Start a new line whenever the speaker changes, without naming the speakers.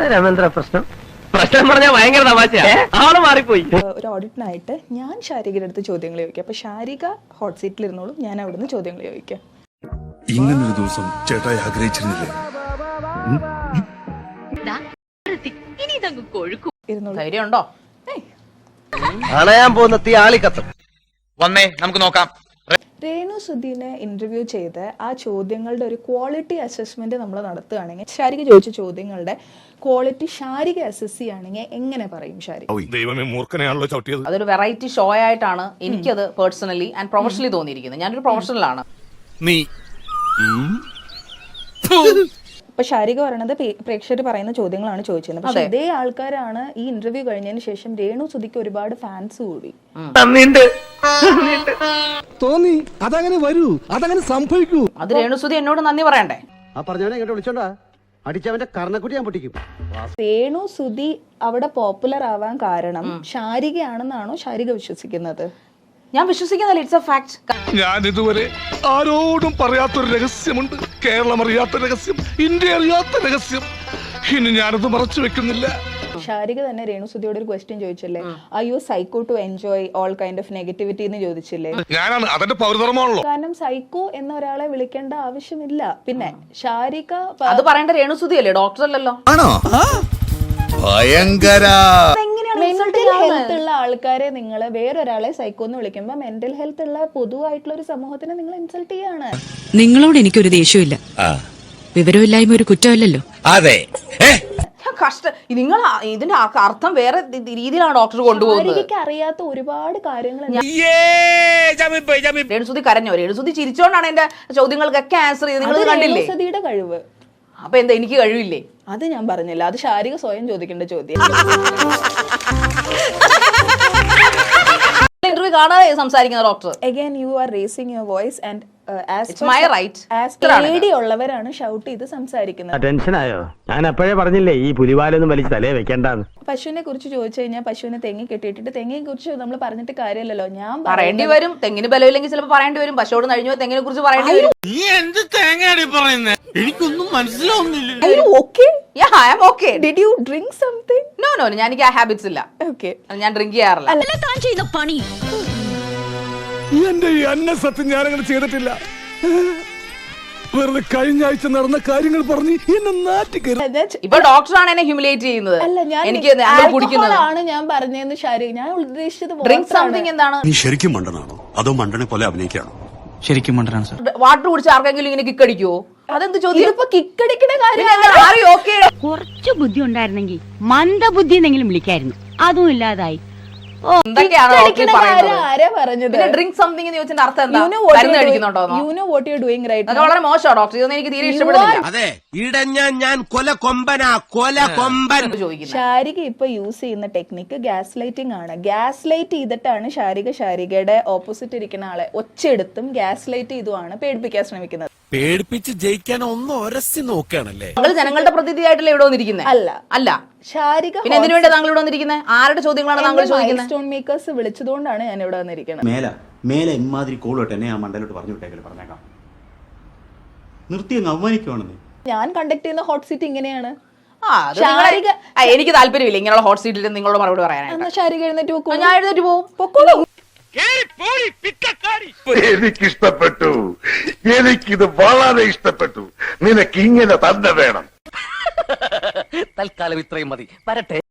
എന്താ രാമേന്ദ്ര പ്രശ്നം? പ്രശ്നം പറഞ്ഞാൽ ഭയങ്കര തമാശ, ആള് മാറിപ്പോയി.
ഒരു ഓഡിറ്റിനായിട്ട് ഞാൻ ശാരികയുടെ അടുത്ത് ചോദ്യങ്ങൾ ചോദിക്കാം. അപ്പൊ ശാരിക ഹോട്ട് സീറ്റിൽ ഇരുന്നോളും, ഞാൻ അവിടുന്ന് ചോദ്യങ്ങൾ ചോദിക്കാം.
ഇങ്ങനൊരു ദിവസം ചേട്ടായി ആഗ്രഹിച്ചിരുന്നില്ലേ?
ധൈര്യമുണ്ടോ?
അണയാൻ പോകുന്ന തീ ആളിക്കത്തും.
വന്നേ നമുക്ക് നോക്കാം.
രേണു സുധീനെ ഇന്റർവ്യൂ ചെയ്ത് ആ ചോദ്യങ്ങളുടെ ഒരു ക്വാളിറ്റി അസസ്മെന്റ് നമ്മൾ നടത്തുകയാണെങ്കിൽ, ശാരിക ചോദിച്ച ചോദ്യങ്ങളുടെ ക്വാളിറ്റി ശാരിക അസസ് ചെയ്യുകയാണെങ്കിൽ എങ്ങനെ പറയും ശാരിക?
ദൈവമേ, മൂർഖനെയാണല്ലോ ചവിട്ടിയത്.
അതൊരു വെറൈറ്റി ഷോ ആയിട്ടാണ് എനിക്കത് പേഴ്സണലി ആൻഡ് പ്രൊഫഷണലി തോന്നിയിരിക്കുന്നത്. ഞാനൊരു പ്രൊഫഷണലാണ്.
നീ
ഇപ്പൊ ശാരിക പറയണത് പ്രേക്ഷകർ പറയുന്ന ചോദ്യങ്ങളാണ് ചോദിച്ചിരുന്നത്. പക്ഷെ ഇതേ ആൾക്കാരാണ് ഈ ഇന്റർവ്യൂ കഴിഞ്ഞതിന് ശേഷം രേണു സുധിക്ക് ഒരുപാട് ഫാൻസ് കൂടി.
തോന്നി അതങ്ങനെ വരൂ, അതങ്ങനെ സംഭവിക്കൂ.
അത് രേണുസുധി എന്നോട് നന്ദി പറയണ്ടേ?
ആ പറഞ്ഞവനെ ഇങ്ങോട്ട് വിളിച്ചോണ്ടാ അടിച്ചവന്റെ കർണക്കുട്ടി ഞാൻ പൊട്ടിക്കും.
രേണു സുധി അവിടെ പോപ്പുലർ ആവാൻ കാരണം ശാരികയാണെന്നാണോ ശാരിക വിശ്വസിക്കുന്നത്?
ഞാൻ വിശ്വസിക്കുന്നില്ല. It's a fact.
ഞാൻ ഇതുവരെ ആരോടും പറയാത്തൊരു രഹസ്യമുണ്ട്. കേരളം അറിയാത്ത രഹസ്യം, ഇന്ത്യ അറിയാത്ത രഹസ്യം. ഇനി ഞാനത് മറച്ചു വെക്കുന്നില്ല.
ശാരിക തന്നെ രേണു സുധിയോട് ഒരു ക്വസ്റ്റ്യൻ ചോദിച്ചില്ലേ, are you psycho to enjoy all kind of negativity എന്ന് ചോദിച്ചില്ലേ?
ഞാനാണ് അതിന്റെ പൗരധർമ്മമാണല്ലോ.
കാരണം സൈക്കോ എന്ന ഒരാളെ വിളിക്കേണ്ട ആവശ്യമില്ല. പിന്നെ ശാരിക
അത് പറയേണ്ട രേണുസുധി അല്ലേ, ഡോക്ടർ അല്ലല്ലോ.
ആണോ? ഭയങ്കര.
മെന്റൽ ഹെൽത്ത് ഉള്ള ആൾക്കാരെ നിങ്ങൾ വേറൊരാളെ സൈക്കോ എന്ന് വിളിക്കുമ്പോൾ മെന്റൽ ഹെൽത്ത് ഉള്ള പൊതുവായിട്ടുള്ള ഒരു സമൂഹത്തിനെ നിങ്ങൾ ഇൻസൾട്ട് ചെയ്യാണ്.
നിങ്ങളോട് എനിക്കൊരു ദേഷ്യമില്ല. വിവരമില്ലായ്മ ഒരു കുറ്റമല്ലല്ലോ.
അതെ,
കഷ്ട. നിങ്ങൾ ഇതിന്റെ അർത്ഥം വേറെ രീതിയിലാണ് ഡോക്ടർ കൊണ്ടുപോകുന്നത്.
എനിക്ക് അറിയാത്ത ഒരുപാട് കാര്യങ്ങൾ.
രേണുസുധി കരഞ്ഞോ? രേണുസുധി ചിരിച്ചോണ്ടാണ് എന്റെ ചോദ്യങ്ങൾക്കൊക്കെ ആൻസർ ചെയ്ത്. നിങ്ങൾ കണ്ടില്ലേ?
രേണുസുധിയുടെ കഴിവ്.
അപ്പൊ എന്താ എനിക്ക് കഴിവില്ലേ?
അത് ഞാൻ പറഞ്ഞില്ല, അത് ശാരിക സ്വയം ചോദിക്കേണ്ട ചോദ്യം.
ഇന്റർവ്യൂ കാണാതെ സംസാരിക്കുന്ന doctor.
Again you are raising your voice and
It's my right.
ഉള്ളവരാണ് ഷൗട്ട് ചെയ്ത് സംസാരിക്കുന്നത്.
ടെൻഷനായോ? ഞാൻ അപ്പോഴേ പറഞ്ഞില്ലേ ഈ പുലിവാലൊന്നും വലിച്ച് തലേ വെക്കണ്ടെന്ന്.
പശുവിനെ കുറിച്ച് ചോദിച്ചു കഴിഞ്ഞാൽ പശുവിനെ തെങ്ങി കെട്ടിയിട്ടിട്ട് തെങ്ങിനെ കുറിച്ച് നമ്മൾ പറഞ്ഞിട്ട് കാര്യമില്ലല്ലോ. ഞാൻ
പറയേണ്ടി വരും. തെങ്ങിന് ബലമില്ലെങ്കിൽ ചിലപ്പോൾ പറയേണ്ടി വരും. പശുവോട് കഴിഞ്ഞു തെങ്ങിനെ കുറിച്ച് പറയേണ്ടി വരും.
നീ എന്ത് തേങ്ങയാടി പറയുന്നേ? എനിക്കൊന്നും മനസ്സിലാവുന്നില്ല.
Are you okay?
Yeah, I am okay.
Did you drink something?
No, എനിക്ക് ആ ഹാബിറ്റ്സ് ഇല്ല.
Okay.
ഞാൻ ഡ്രിങ്ക് ചെയ്യാറില്ല.
എന്റെ ഈ അന്നസത്യം ഞാനങ്ങനെ ചെയ്തിട്ടില്ല. വെറുതെ കഴിഞ്ഞ ആഴ്ച നടന്ന കാര്യങ്ങൾ പറഞ്ഞ് എന്നെ നാട്ടിക്കരുത്.
ഇപ്പൊ ഡോക്ടറാണ് എന്നെ ഹ്യൂമിലേറ്റ് ചെയ്യുന്നത്. എനിക്ക് കുടിക്കുന്നത്
ആണ് ഞാൻ പറഞ്ഞതെന്ന് ശാരി. ഞാൻ ഉദ്ദേശിച്ചത്
ഡ്രിങ്ക് സംതിങ് എന്താണ്?
നീ ശരിക്കും മണ്ടനാണോ അതോ മണ്ടനെ പോലെ അഭിനയിക്കാണോ?
ശരിക്കും മണ്ടനാണ് സാർ.
വാട്ടർ കുടിച്ച് ആർക്കെങ്കിലും ഇങ്ങനെ കിക്കടിക്കുവോ? അതെന്ത് ചോദ്യം?
ഇപ്പൊ കിക്കടിക്കുന്ന കാര്യം.
കുറച്ചു ബുദ്ധി ഉണ്ടായിരുന്നെങ്കിൽ മന്ദബുദ്ധി എന്നെങ്കിലും വിളിക്കായിരുന്നു. അതും ഇല്ലാതായി.
ആരാ പറഞ്ഞത്?
ഡ്രിങ്ക് സംതിങ് എന്ന് ചോദിച്ചതിന്റെ അർത്ഥം എന്താ? മരുന്ന് കഴിക്കുന്നുണ്ടോ?
You know what you're doing right now.
വളരെ മോശമാണ് ഡോക്ടർ. ഇതൊന്നും എനിക്ക് തീരെ ഇഷ്ടപ്പെടുന്നില്ല.
അതെ, ഇടഞ്ഞ ഞാൻ കൊല കൊമ്പൻ.
ശാരിക ഇപ്പൊ യൂസ് ചെയ്യുന്ന ടെക്നിക്ക് ഗ്യാസ് ലൈറ്റിംഗ് ആണ്. ഗ്യാസ് ലൈറ്റ് ചെയ്തിട്ടാണ് ശാരികയുടെ ഓപ്പോസിറ്റ് ഇരിക്കുന്ന ആളെ ഒച്ചെടുത്തും ഗ്യാസ് ലൈറ്റ് ചെയ്തുമാണ് പേടിപ്പിക്കാൻ ശ്രമിക്കുന്നത്.
പേടിപ്പിച്ച് ജയിക്കാൻ ഒന്ന് ഒരസി നോക്കുകയാണല്ലേ?
താങ്കൾ ജനങ്ങളുടെ പ്രതിനിധിയായിട്ടല്ലേ ഇവിടെ വന്നിരിക്കുന്നത്?
അല്ല ശാരിക.
പിന്നെ എന്തിനു വേണ്ടി താങ്കൾ ഇവിടെ വന്നിരിക്കുന്നത്? ആരുടെ ചോദ്യങ്ങളാണ് താങ്കൾ ചോദിക്കുന്നത്?
സ്റ്റോൺ മേക്കേഴ്സ് വിളിച്ചതുകൊണ്ടാണ് ഞാൻ ഇവിടെ വന്നിരിക്കുന്നത്.
മേലെ ഇമാതിരി കോളോട്ട് എന്നെ ആ മണ്ടലോട്ട് പറഞ്ഞു വിട്ടേക്കല് പറഞ്ഞേക്കാം. നിർത്തി അങ്ങ് അവമാനിക്കുവാണെന്ന്.
ഞാൻ കണ്ടക്ട് ചെയ്യുന്ന ഹോട്ട് സീറ്റ് ഇങ്ങനെയാണ്.
എനിക്ക് താല്പര്യമില്ല ഇങ്ങനെയുള്ള ഹോട്ട് സീറ്റിൽ നിങ്ങളോട് മറുപടി പറയാനായിട്ട്.
ശാരിക എഴുന്നേറ്റ് പോകും.
ഞാൻ എഴുന്നേറ്റ് പോകും.
എനിക്കിഷ്ടപ്പെട്ടു. എനിക്കിത് വളരെ ഇഷ്ടപ്പെട്ടു. നിനക്ക് ഇങ്ങനെ തന്നെ വേണം.
തൽക്കാലം ഇത്രയും മതി. വരട്ടെ.